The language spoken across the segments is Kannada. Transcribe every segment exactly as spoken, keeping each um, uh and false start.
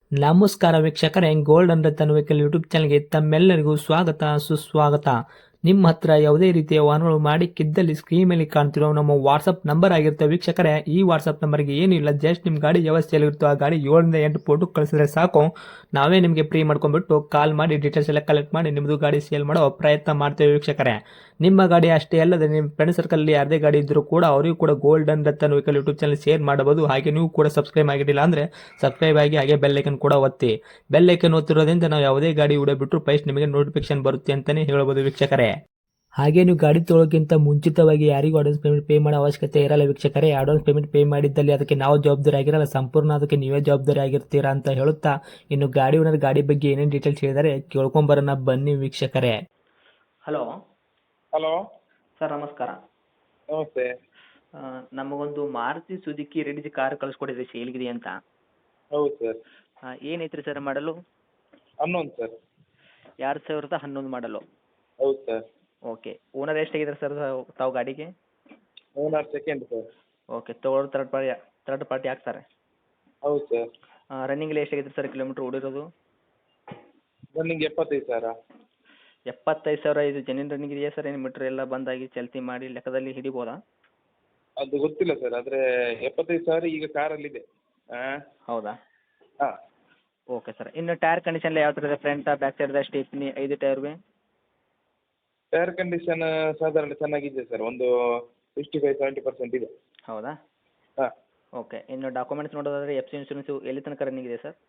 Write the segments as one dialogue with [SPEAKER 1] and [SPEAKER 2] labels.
[SPEAKER 1] ನಮಸ್ಕಾರ ವೀಕ್ಷಕರೇ, ಗೋಲ್ಡನ್ ರತನ್ ವೆಹಿಕಲ್ ಯೂಟ್ಯೂಬ್ ಚಾನಲ್ಗೆ ತಮ್ಮೆಲ್ಲರಿಗೂ ಸ್ವಾಗತ ಸುಸ್ವಾಗತ. ನಿಮ್ಮ ಹತ್ರ ಯಾವುದೇ ರೀತಿಯ ವಾಹನಗಳು ಮಾಡಿಕ್ಕಿದ್ದಲ್ಲಿ ಸ್ಕ್ರೀನ್ ಮೇಲೆ ಕಾಣ್ತಿರೋ ನಮ್ಮ ವಾಟ್ಸಪ್ ನಂಬರ್ ಆಗಿರುತ್ತೆ ವೀಕ್ಷಕರೇ. ಈ ವಾಟ್ಸಪ್ ನಂಬರ್ಗೆ ಏನಿಲ್ಲ, ಜಸ್ಟ್ ನಿಮ್ಮ ಗಾಡಿ ವ್ಯವಸ್ಥೆಯಲ್ಲಿರುತ್ತೋ ಆ ಗಾಡಿ ಏಳರಿಂದ ಎಂಟು ಫೋಟೋ ಕಳಿಸಿದ್ರೆ ಸಾಕು, ನಾವೇ ನಿಮಗೆ ಫ್ರೀ ಮಾಡ್ಕೊಂಡ್ಬಿಟ್ಟು ಕಾಲ್ ಮಾಡಿ ಡೀಟೇಲ್ಸ್ ಎಲ್ಲ ಕಲೆಕ್ಟ್ ಮಾಡಿ ನಿಮ್ಮದು ಗಾಡಿ ಸೇಲ್ ಮಾಡೋ ಪ್ರಯತ್ನ ಮಾಡ್ತೇವೆ ವೀಕ್ಷಕರೇ. ನಿಮ್ಮ ಗಾಡಿ ಅಷ್ಟೇ ಅಲ್ಲದೆ ನಿಮ್ಮ ಫ್ರೆಂಡ್ ಸರ್ಕಲಲ್ಲಿ ಯಾರದೇ ಗಾಡಿ ಇದ್ದರೂ ಕೂಡ ಅವರಿಗೂ ಕೂಡ golden Ratan vehicle YouTube channel share ಮಾಡಬಹುದು. ಹಾಗೆ ನೀವು ಕೂಡ ಸಬ್ಸ್ಕ್ರೈಬ್ ಆಗಿರಲಿಲ್ಲ ಅಂದರೆ ಸಬ್ಸ್ಕ್ರೈಬ್ ಆಗಿ ಹಾಗೆ ಬೆಲ್ ಐಕನ್ ಕೂಡ ಒತ್ತಿ. ಬೆಲ್ ಐಕನ್ ಒತ್ತಿರೋದ್ರಿಂದ ನಾವು ಯಾವುದೇ ಗಾಡಿ ವಿಡಿಯೋ ಬಿಟ್ಟರು ಫಸ್ಟ್ ನಿಮಗೆ ನೋಟಿಫಿಕೇಶನ್ ಬರುತ್ತೆ ಅಂತಲೇ ಹೇಳ್ಬೋದು ವೀಕ್ಷಕರೇ. ಹಾಗೆ ನೀವು ಗಾಡಿ ತೊಳೋಕ್ಕಿಂತ ಮುಂಚಿತವಾಗಿ ಯಾರಿಗೂ ಅಡ್ವಾನ್ಸ್ ಪೇಮೆಂಟ್ ಪೇ ಮಾಡೋ ಅವಶ್ಯಕತೆ ಇರಲ್ಲ ವೀಕ್ಷಕರೇ. ಅಡ್ವಾನ್ಸ್ ಪೇಮೆಂಟ್ ಪೇ ಮಾಡಿದ್ದಲ್ಲಿ ಅದಕ್ಕೆ ನಾವು ಜವಾಬ್ದಾರಿ ಆಗಿರಲ್ಲ, ಸಂಪೂರ್ಣ ಅದಕ್ಕೆ ನೀವೇ ಜವಾಬ್ದಾರಿ ಆಗಿರ್ತೀರಾ ಅಂತ ಹೇಳುತ್ತಾ, ಇನ್ನು ಗಾಡಿ ಓನರ್ ಗಾಡಿ ಬಗ್ಗೆ ಏನೇನು ಡೀಟೇಲ್ಸ್ ಹೇಳಿದರೆ ಕೇಳ್ಕೊಂಬರೋಣ ಬನ್ನಿ ವೀಕ್ಷಕರೇ. ಹಲೋ
[SPEAKER 2] ಹಲೋ
[SPEAKER 1] ಸರ್, ನಮಸ್ಕಾರ.
[SPEAKER 2] ನಮಸ್ತೆ.
[SPEAKER 1] ಆ, ನಮಗೊಂದು ಮಾರುತಿ ಸುಜುಕಿ ರೆಡಿ ಕಾರ್ ಕಳಿಸ್ಕೊಡಿದ್ರಿ ಸೇಲ್ಗಿದೆ ಅಂತ.
[SPEAKER 2] ಹೌದು ಸರ್.
[SPEAKER 1] ಆ, ಏನೈತ್ರಿ ಸರ್ ಮಾಡಲು?
[SPEAKER 2] ಹನ್ನೊಂದು ಸರ್.
[SPEAKER 1] ಎರಡು ಸಾವಿರದ ಹನ್ನೊಂದು ಮಾಡಲು.
[SPEAKER 2] ಹೌದು ಸರ್.
[SPEAKER 1] ಓಕೆ. ಓನರ್ ಎಷ್ಟಾಗಿದ್ದಾರೆ ಸರ್ ತಾವು ಗಾಡಿಗೆ?
[SPEAKER 2] Owner second sir.
[SPEAKER 1] ಓಕೆ. ತೊಗೊಳೋರು ತರ್ಡ್ ಪಾರ್ಟಿ ತರ್ಡ್ ಪಾರ್ಟಿ ಹಾಕ್ತಾರೆ.
[SPEAKER 2] ಹೌದು ಸರ್.
[SPEAKER 1] ರನ್ನಿಂಗಲ್ಲಿ ಎಷ್ಟಾಗಿದೆ ಸರ್ ಕಿಲೋಮೀಟ್ರ್ ಓಡಿರೋದು?
[SPEAKER 2] ರನ್ನಿಂಗ್ ಎಪ್ಪತ್ತೈದು ಸಾವಿರ.
[SPEAKER 1] ಎಪ್ಪತ್ತೈದು ಸಾವಿರ. ಇದು ಜೆನ್ಯೂನ್ ರನ್ನಿಂಗ್ ಇದೆಯಾ ಸರ್? ಏನು ಮೀಟ್ರ್ ಎಲ್ಲ ಬಂದಾಗಿ ಚಲ್ತಿ ಮಾಡಿ ಲೆಕ್ಕದಲ್ಲಿ ಹಿಡಿಬೋದಾ?
[SPEAKER 2] ಅದು ಗೊತ್ತಿಲ್ಲ ಸರ್, ಆದರೆ ಎಪ್ಪತ್ತೈದು ಸಾವಿರ ಈಗ ಕಾರಲ್ಲಿದೆ. ಹಾಂ.
[SPEAKER 1] ಹೌದಾ?
[SPEAKER 2] ಹಾಂ.
[SPEAKER 1] Okay sir. ಇನ್ನು ಟೈರ್ ಕಂಡೀಷನ್ ಯಾವ ಥರ ಇದೆ? ಫ್ರಂಟ್ ಬ್ಯಾಕ್ ಸೈಡ್ ಸ್ಟೇಪ್ನಿ ಐದು ಟೈರ್ಗೆ?
[SPEAKER 2] ಟೈರ್ ಕಂಡೀಷನ್ ಸಾಧಾರಣ ಚೆನ್ನಾಗಿದೆ ಸರ್, ಒಂದು ಸಿಕ್ಸ್ಟಿ ಫೈವ್ ಸೆವೆಂಟಿ ಪರ್ಸೆಂಟ್ ಇದೆ.
[SPEAKER 1] ಹೌದಾ?
[SPEAKER 2] ಹಾಂ.
[SPEAKER 1] ಓಕೆ. ಇನ್ನು ಡಾಕ್ಯುಮೆಂಟ್ಸ್ ನೋಡೋದಾದ್ರೆ ಎಫ್ ಸಿ ಇನ್ಶೂರೆನ್ಸು ಎಲ್ಲಿ ತನಕ ರನ್ನಿಂಗ್ ಇದೆ ಸರ್?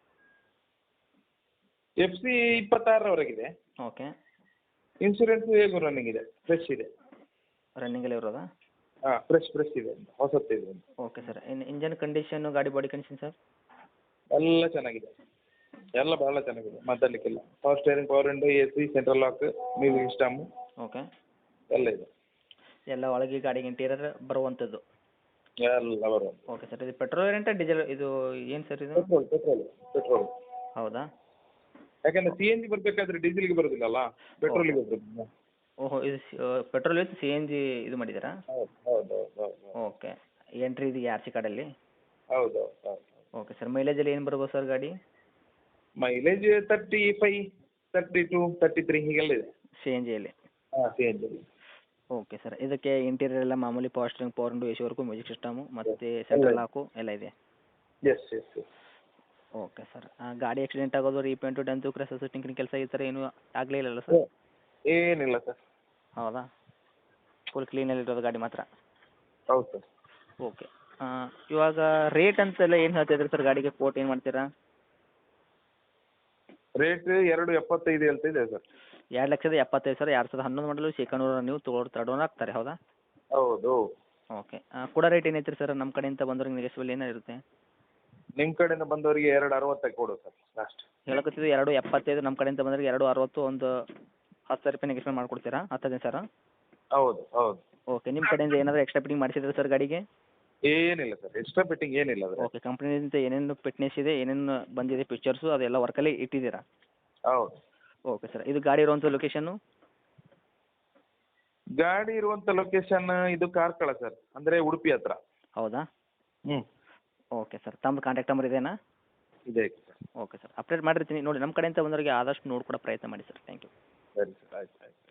[SPEAKER 2] ಎಫ್ ಸಿ ಇಪ್ಪತ್ತಾರರವರೆಗಿದೆ.
[SPEAKER 1] ಓಕೆ.
[SPEAKER 2] ಇನ್ಶೂರೆನ್ಸ್ ಹೇಗೂ ರನ್ನಿಂಗ್ ಇದೆ, ಫ್ರೆಶ್ ಇದೆ.
[SPEAKER 1] ರನ್ನಿಂಗಲ್ಲಿ ಇರೋದಾ?
[SPEAKER 2] ಹಾಂ, ಫ್ರೆಶ್ ಫ್ರೆಶ್ ಇದೆ, ಹೊಸತ್ತಿದೆ.
[SPEAKER 1] Okay sir. ಇನ್ನು ಇಂಜನ್ ಕಂಡೀಷನ್ನು, ಗಾಡಿ ಬಾಡಿ ಕಂಡೀಷನ್ ಸರ್?
[SPEAKER 2] ಎಲ್ಲ ಚೆನ್ನಾಗಿದೆ, ಎಲ್ಲ ಬಹಳ ಚೆನ್ನಾಗಿದೆ, ಮಾತಾಡಲಿಕ್ಕಿಲ್ಲ. Power steering, power window, A C, central lock, music system
[SPEAKER 1] okay.
[SPEAKER 2] ಎಲ್ಲ ಇದೆ.
[SPEAKER 1] ಎಲ್ಲ ಒಳಗೆ ಗಾಡಿಗೆ ಇಂಟೀರಿಯರ್ ಬರುವಂಥದ್ದು?
[SPEAKER 2] ಎಲ್ಲ ಬರುವ.
[SPEAKER 1] Okay sir. ಇದು ಪೆಟ್ರೋಲ್ ವೇರಿಯಂಟ ಡೀಸೆಲ್ ಇದು ಏನು ಸರ್ ಇದು?
[SPEAKER 2] Petrol petrol petrol.
[SPEAKER 1] ಹೌದಾ?
[SPEAKER 2] ಯಾಕಂದ್ರೆ ಸಿ ಎನ್ ಜಿ ಬರಬೇಕಾದ್ರೆ ಡೀಸೆಲ್ಗೆ ಬರೋದಿಲ್ಲಲ್ಲ, ಪೆಟ್ರೋಲಿಗೆ ಬರೋದು.
[SPEAKER 1] ಓಹೋ, ಇದು petrol with C N G ಇದು ಮಾಡಿದ್ದೀರಾ?
[SPEAKER 2] ಹೌದು ಹೌದು ಹೌದು ಹೌದು
[SPEAKER 1] ಓಕೆ. ಎಂಟ್ರಿ ಇದು ಆರ್ ಸಿ ಕಾರ್ಡಲ್ಲಿ?
[SPEAKER 2] ಹೌದು ಹೌದು.
[SPEAKER 1] Okay sir. ಮೈಲೇಜಲ್ಲಿ ಏನು ಬರ್ಬೋದು ಸರ್ ಗಾಡಿ?
[SPEAKER 2] Mileage thirty five, thirty two, thirty three ಹೀಗೆಲ್ಲ ಇದೆ.
[SPEAKER 1] ಸಿ ಎನ್ ಜಿಯಲ್ಲಿ?
[SPEAKER 2] ಹಾಂ, ಸಿ ಎನ್ ಜಿಯಲ್ಲಿ.
[SPEAKER 1] Okay sir. ಇದಕ್ಕೆ ಇಂಟೀರಿಯರ್ ಎಲ್ಲ ಮಾಮೂಲಿ power steering, power window, A C work, music system ಮತ್ತು ಸೆಂಟ್ರಲ್ ಲಾಕು ಎಲ್ಲ ಇದೆ?
[SPEAKER 2] Yes yes yes.
[SPEAKER 1] Okay sir. ಗಾಡಿ ಆಕ್ಸಿಡೆಂಟ್ ಆಗೋದು, ರೀಪೇಂಟು, ಡೆಂತು, ಕ್ರಸಸ್, ಟಿಂಕಿಂಗ್ ಕೆಲಸ ಈ ಥರ ಏನೂ ಆಗಲೇ ಇಲ್ಲಲ್ಲ ಸರ್?
[SPEAKER 2] ಏನಿಲ್ಲ ಸರ್.
[SPEAKER 1] ಹೌದಾ? ಫುಲ್ ಕ್ಲೀನಲ್ಲಿರೋದು ಗಾಡಿ ಮಾತ್ರ?
[SPEAKER 2] ಹೌದು ಸರ್.
[SPEAKER 1] ಓಕೆ. ಇವಾಗ ರೇಟ್ ಅಂತೆಲ್ಲ ಏನು ಹೇಳ್ತಿದ್ರಿ ಸರ್ ಗಾಡಿಗೆ? ಕೋಟ್ ಏನು ಮಾಡ್ತೀರಾ?
[SPEAKER 2] ರೇಟ್ ಎರಡು ಎಪ್ಪತ್ತೈದು ಹೇಳ್ತಿದೆ ಸರ್.
[SPEAKER 1] ಎರಡು ಲಕ್ಷದ ಎಪ್ಪತ್ತೈದು ಸಾವಿರ. ಎರಡು ಸಾವಿರದ ಹನ್ನೊಂದು ಮಾಡಲು ಸೆಕೆಂಡ್ ಓನರ್, ನೀವು ತೊಗೊಳೋರು ತರ್ಡ್ ಓನರ್ ಆಗ್ತಾರೆ. ಹೌದಾ?
[SPEAKER 2] ಹೌದು.
[SPEAKER 1] ಓಕೆ. ಕೂಡ ರೇಟ್ ಏನೈತೆ ರೀ ಸರ್ ನಮ್ಮ ಕಡೆಯಿಂದ ಬಂದವ್ರಿಗೆ ನೆಗೆಸಿಬಲ್ ಏನಿರುತ್ತೆ?
[SPEAKER 2] ನಿಮ್ಮ ಕಡೆಯಿಂದ ಬಂದವರಿಗೆ ಎರಡು ಅರವತ್ತಕ್ಕೆ ಕೊಡು ಸರ್ ಲಾಸ್ಟ್.
[SPEAKER 1] ಹೇಳಕತ್ತಿದ್ದು ಎರಡು ಎಪ್ಪತ್ತೈದು, ನಮ್ಮ ಕಡೆಯಿಂದ ಬಂದವ್ರಿಗೆ ಎರಡು ಅರವತ್ತು, ಒಂದು ಹತ್ತು ಸಾವಿರ ರೂಪಾಯಿ ನೆಗೆಸ್ಮೆಂಟ್ ಮಾಡಿಕೊಡ್ತೀರಾ? ಹತ್ತೈದು ಸಾವಿರ?
[SPEAKER 2] ಹೌದು ಹೌದು.
[SPEAKER 1] ಓಕೆ. ನಿಮ್ಮ ಕಡೆಯಿಂದ ಏನಾದರೂ ಎಕ್ಸ್ಟ್ರಾ ಫಿಟ್ಟಿಂಗ್ ಮಾಡಿಸಿದ್ರೆ ಸರ್ ಗಾಡಿಗೆ?
[SPEAKER 2] ಏನಿಲ್ಲ ಸರ್, ಎಕ್ಸ್ಟ್ರಾ ಫಿಟ್ಟಿಂಗ್ ಏನಿಲ್ಲ ಅದ್ರ.
[SPEAKER 1] ಓಕೆ. ಕಂಪ್ನಿಯಿಂದ ಏನೇನು ಫಿಟ್ನೆಸ್ ಇದೆ, ಏನೇನು ಬಂದಿದೆ ಫೀಚರ್ಸು, ಅದೆಲ್ಲ ವರ್ಕಲ್ಲಿ ಇಟ್ಟಿದ್ದೀರಾ?
[SPEAKER 2] ಹೌದು.
[SPEAKER 1] Okay sir. ಇದು ಗಾಡಿ ಇರುವಂಥ ಲೊಕೇಶನ್ನು?
[SPEAKER 2] ಗಾಡಿ ಇರುವಂಥ ಲೊಕೇಶನ್ ಇದು ಕಾರ್ಕಳ ಸರ್, ಅಂದರೆ ಉಡುಪಿ ಹತ್ರ.
[SPEAKER 1] ಹೌದಾ?
[SPEAKER 2] ಹ್ಞೂ.
[SPEAKER 1] Okay sir. ತಮ್ಮ ಕಾಂಟ್ಯಾಕ್ಟ್ ನಂಬರ್ ಇದೆಯಾ?
[SPEAKER 2] ಇದೆ ಸರ್.
[SPEAKER 1] Okay sir. ಅಪ್ಡೇಟ್ ಮಾಡಿರ್ತೀನಿ ನೋಡಿ. ನಮ್ಮ ಕಡೆಯಿಂದ ಬಂದವರಿಗೆ ಆದಷ್ಟು ನೋಡ್ಕೊಡೋ ಪ್ರಯತ್ನ ಮಾಡಿ ಸರ್. Thank you.
[SPEAKER 2] ಸರಿ ಸರ್, ಆಯ್ತು ಆಯ್ತು.